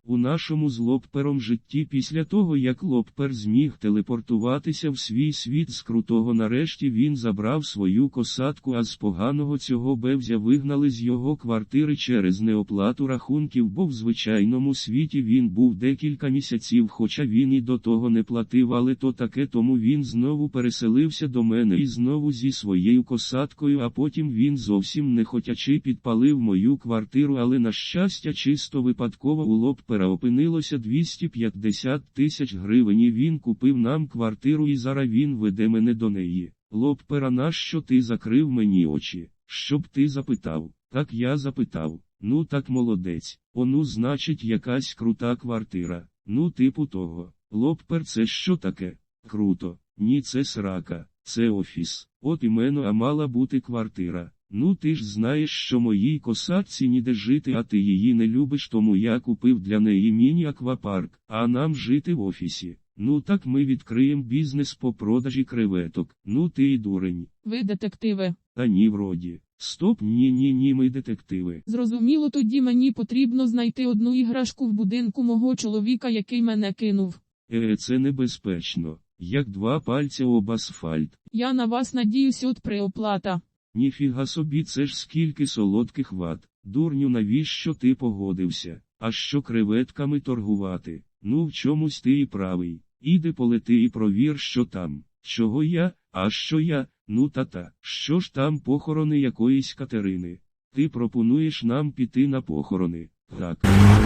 У нашому з Лоппером житті після того, як Лоппер зміг телепортуватися в свій світ з крутого, нарешті він забрав свою косатку, а з поганого цього бевзя вигнали з його квартири через неоплату рахунків, бо в звичайному світі він був декілька місяців, хоча він і до того не платив, але то таке, тому він знову переселився до мене і знову зі своєю косаткою, а потім він зовсім не хотячи підпалив мою квартиру, але на щастя чисто випадково у Лоппера опинилося 250 тисяч гривень і він купив нам квартиру і зараз він веде мене до неї. Лоппера, нащо ти закрив мені очі? Щоб ти запитав? Так я запитав. Ну так молодець. Ну значить якась крута квартира. Ну типу того. Лоппер, це що таке? Круто. Ні, це срака. Це офіс. От іменно, а мала бути квартира. Ну ти ж знаєш, що моїй косатці ніде жити, а ти її не любиш, тому я купив для неї міні-аквапарк, а нам жити в офісі. Ну так ми відкриємо бізнес по продажі креветок. Ну ти і дурень. Ви детективи. Та ні, вроді. Стоп, ні, ми детективи. Зрозуміло, тоді мені потрібно знайти одну іграшку в будинку мого чоловіка, який мене кинув. Це небезпечно. Як два пальця об асфальт. Я на вас надіюсь, от преоплата. Ніфіга собі, це ж скільки солодких ват. Дурню, навіщо ти погодився? А що креветками торгувати? Ну в чомусь ти і правий. Іди полети і провір, що там. Чого я? А що я? Ну та-та. Що ж там похорони якоїсь Катерини? Ти пропонуєш нам піти на похорони? Так.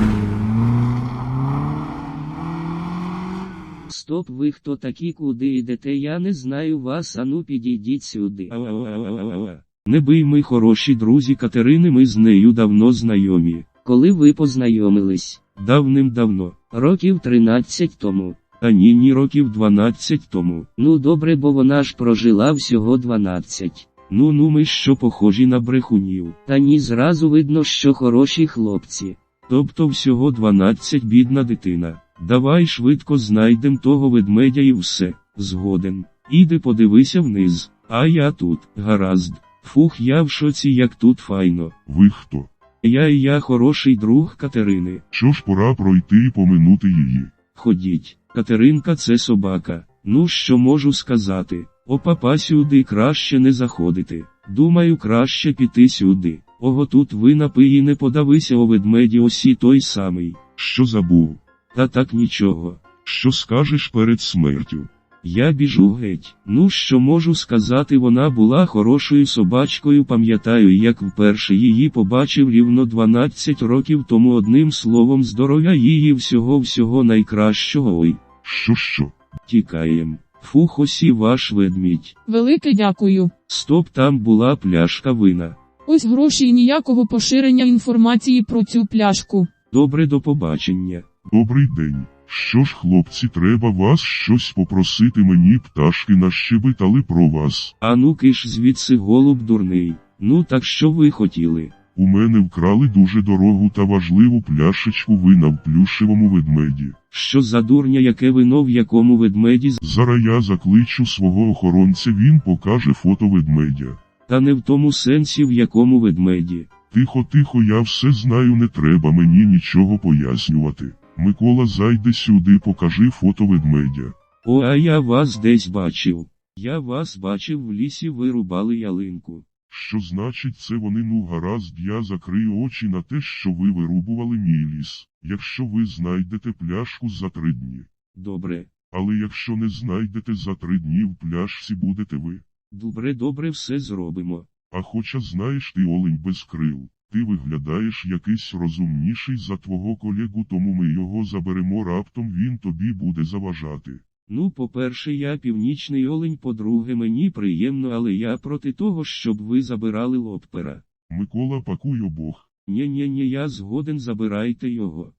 Стоп, ви хто такі, куди йдете? Я не знаю вас, ану підійдіть сюди. Не бий, ми хороші друзі Катерини, ми з нею давно знайомі. Коли ви познайомились? Давним-давно. Років 13 тому. А ні, років 12 тому. Ну добре, бо вона ж прожила всього 12. Ну ми що похожі на брехунів. Та ні, зразу видно, що хороші хлопці. Тобто всього 12, бідна дитина. Давай швидко знайдем того ведмедя і все. Згоден. Іди подивися вниз. А я тут. Гаразд. Фух, я в шоці, як тут файно. Ви хто? Я хороший друг Катерини. Що ж, пора пройти і поминути її. Ходіть. Катеринка, це собака. Ну що можу сказати? Папа, сюди краще не заходити. Думаю, краще піти сюди. Ого, тут ви напиї, не подавися, о ведмеді, осі той самий. Що забув? Та так нічого. Що скажеш перед смертю? Я біжу геть. Ну що можу сказати, вона була хорошою собачкою, пам'ятаю, як вперше її побачив рівно 12 років тому, одним словом, здоров'я її, всього найкращого. Ой. Що? Тікаєм. Фух, осі ваш ведмідь. Велике дякую. Стоп, там була пляшка вина. Ось гроші і ніякого поширення інформації про цю пляшку. Добре, до побачення. Добрий день. Що ж, хлопці, треба вас щось попросити, мені пташки нащебетали про вас. А ну киш звідси, голуб дурний. Ну так що ви хотіли? У мене вкрали дуже дорогу та важливу пляшечку вина в плюшевому ведмеді. Що за дурня, яке вино в якому ведмеді? Зараз я закличу свого охоронця, він покаже фото ведмедя. Та не в тому сенсі, в якому ведмеді. Тихо, я все знаю, не треба мені нічого пояснювати. Микола, зайди сюди, покажи фото ведмедя. А я вас десь бачив. Я вас бачив в лісі, ви рубали ялинку. Що значить це вони? Ну гаразд, я закрию очі на те, що ви вирубували мій ліс. Якщо ви знайдете пляшку за 3 дні. Добре. Але якщо не знайдете за 3 дні, в пляшці будете ви. Добре, все зробимо. А хоча знаєш, ти олень без крил. Ти виглядаєш якийсь розумніший за твого колегу, тому ми його заберемо, раптом він тобі буде заважати. Ну, по-перше, я північний олень, по-друге, мені приємно, але я проти того, щоб ви забирали Лоппера. Микола, пакуй обох. Ні, я згоден, забирайте його.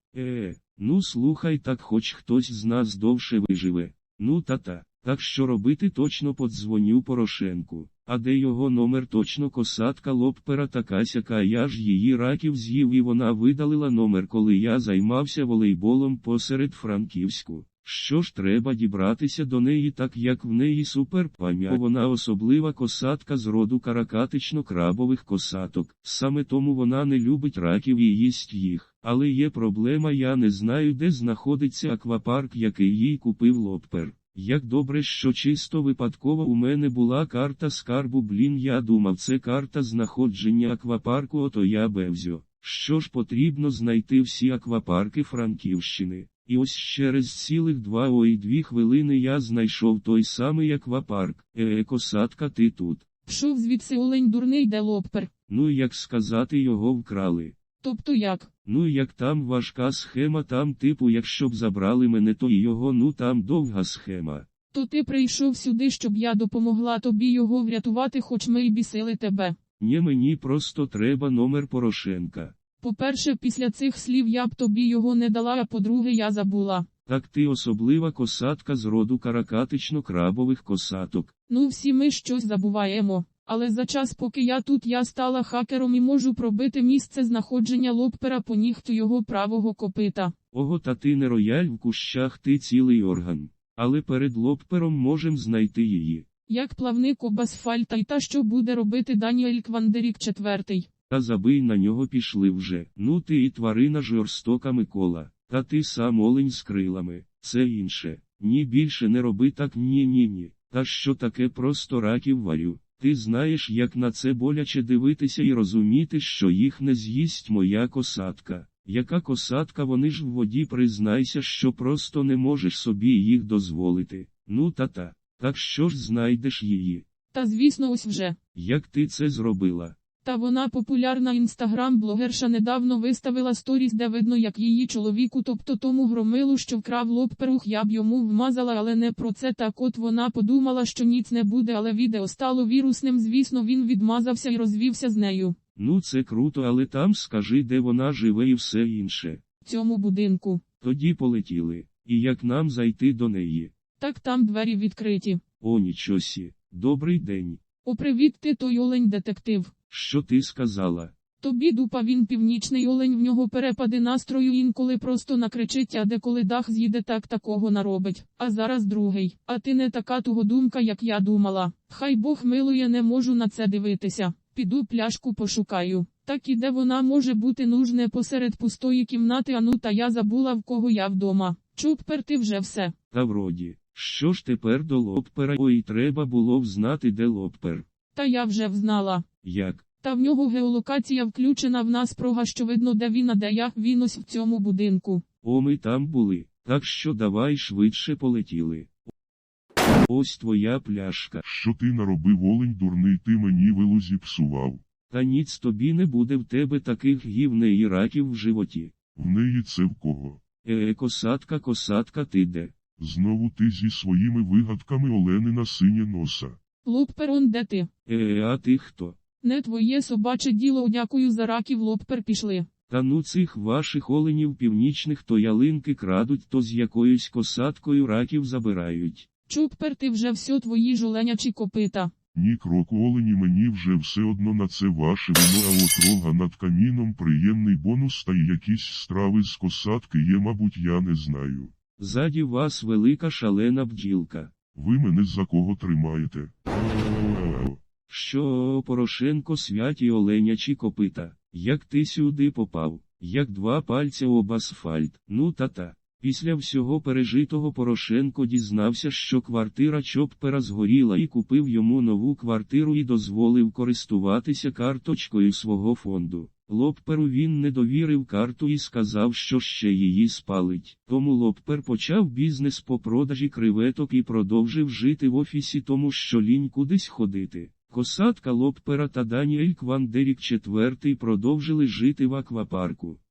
Ну слухай, так хоч хтось з нас довше виживе. Ну та-та. Так що робити, точно подзвоню Порошенку. А де його номер? Точно косатка Лоппера така-сяка, я ж її раків з'їв і вона видалила номер, коли я займався волейболом посеред Франківську. Що ж, треба дібратися до неї, так як в неї суперпам'ять. Вона особлива косатка з роду каракатично-крабових косаток. Саме тому вона не любить раків і їсть їх. Але є проблема, я не знаю, де знаходиться аквапарк, який їй купив Лоппер. Як добре, що чисто випадково у мене була карта скарбу, я думав, це карта знаходження аквапарку, ото я бевзьо. Що ж, потрібно знайти всі аквапарки Франківщини. І ось через цілих 2 хвилини я знайшов той самий аквапарк. Косатка, ти тут. Пшов звідси, олень дурний, де Лоппер. Ну, як сказати, його вкрали. Тобто як? Ну, як там важка схема, там типу, якщо б забрали мене, то і його, ну там довга схема. То ти прийшов сюди, щоб я допомогла тобі його врятувати, хоч ми й бісили тебе. Ні, мені просто треба номер Порошенка. По-перше, після цих слів я б тобі його не дала, а по-друге, я забула. Так ти особлива косатка з роду каракатично-крабових косаток. Ну, всі ми щось забуваємо. Але за час, поки я тут, я стала хакером і можу пробити місце знаходження Лоппера по нігтю його правого копита. Ого, та ти не рояль в кущах, ти цілий орган. Але перед Лоппером можем знайти її. Як плавник об асфальт, і та, що буде робити Даніель Квандерік IV. Та забий на нього, пішли вже. Ну ти і тварина жорстока, Микола. Та ти сам олень з крилами. Це інше. Ні, більше не роби так, ні. Та що таке, просто раків варю. Ти знаєш, як на це боляче дивитися і розуміти, що їх не з'їсть моя косатка. Яка косатка, вони ж в воді, признайся, що просто не можеш собі їх дозволити. Ну та. Так що ж знайдеш її? Та звісно, ось вже. Як ти це зробила? Та вона популярна інстаграм-блогерша недавно виставила сторіс, де видно, як її чоловіку, тобто тому громилу, що вкрав Лопперух, я б йому вмазала, але не про це. Так от вона подумала, що ніц не буде, але відео стало вірусним, звісно, він відмазався і розвівся з нею. Ну це круто, але там скажи, де вона живе і все інше. В цьому будинку. Тоді полетіли. І як нам зайти до неї? Так там двері відкриті. О, нічосі. Добрий день. О, привіт, ти той олень-детектив. Що ти сказала? Тобі дупа, він північний олень, в нього перепади настрою, інколи просто накричить, а деколи дах з'їде, так такого наробить. А зараз другий. А ти не така тугодумка, як я думала. Хай Бог милує, не можу на це дивитися. Піду пляшку пошукаю. Так і де вона може бути, нужне посеред пустої кімнати, ану, та я забула, в кого я вдома. Чуппер, ти вже все. Та вроді. Що ж тепер до Лоппера? Ой, треба було взнати, де Лоппер. Та я вже взнала. Як? Та в нього геолокація включена, в нас прога, що видно, де він, а де я, він ось в цьому будинку. О, ми там були. Так що давай швидше полетіли. Ось твоя пляшка. Що ти наробив, олень дурний, ти мені вилу зіпсував. Та ніц тобі не буде, в тебе таких гівне і раків в животі. В неї це в кого? Косатка, ти де? Знову ти зі своїми вигадками, оленина синє носа. Лоппер, он де ти? А ти хто? Не твоє собаче діло, дякую за раків, Лоппер, пішли. Та ну цих ваших оленів північних то ялинки крадуть, то з якоюсь косаткою раків забирають. Чуппер, ти вже все, твої жоленячі копита. Ні кроку, олені, мені вже все одно на це ваше вино, а от рога над каміном приємний бонус, та й якісь страви з косатки є, мабуть, я не знаю. Ззаді вас велика шалена бджілка. Ви мене за кого тримаєте? Що, Порошенко, святі оленячі копита? Як ти сюди попав? Як 2 пальця об асфальт? Ну та. Після всього пережитого Порошенко дізнався, що квартира Чоппера згоріла, і купив йому нову квартиру і дозволив користуватися карточкою свого фонду. Лопперу він не довірив карту і сказав, що ще її спалить. Тому Лоппер почав бізнес по продажі креветок і продовжив жити в офісі, тому що лінь кудись ходити. Косатка Лоппера та Даніель Квандерік IV продовжили жити в аквапарку.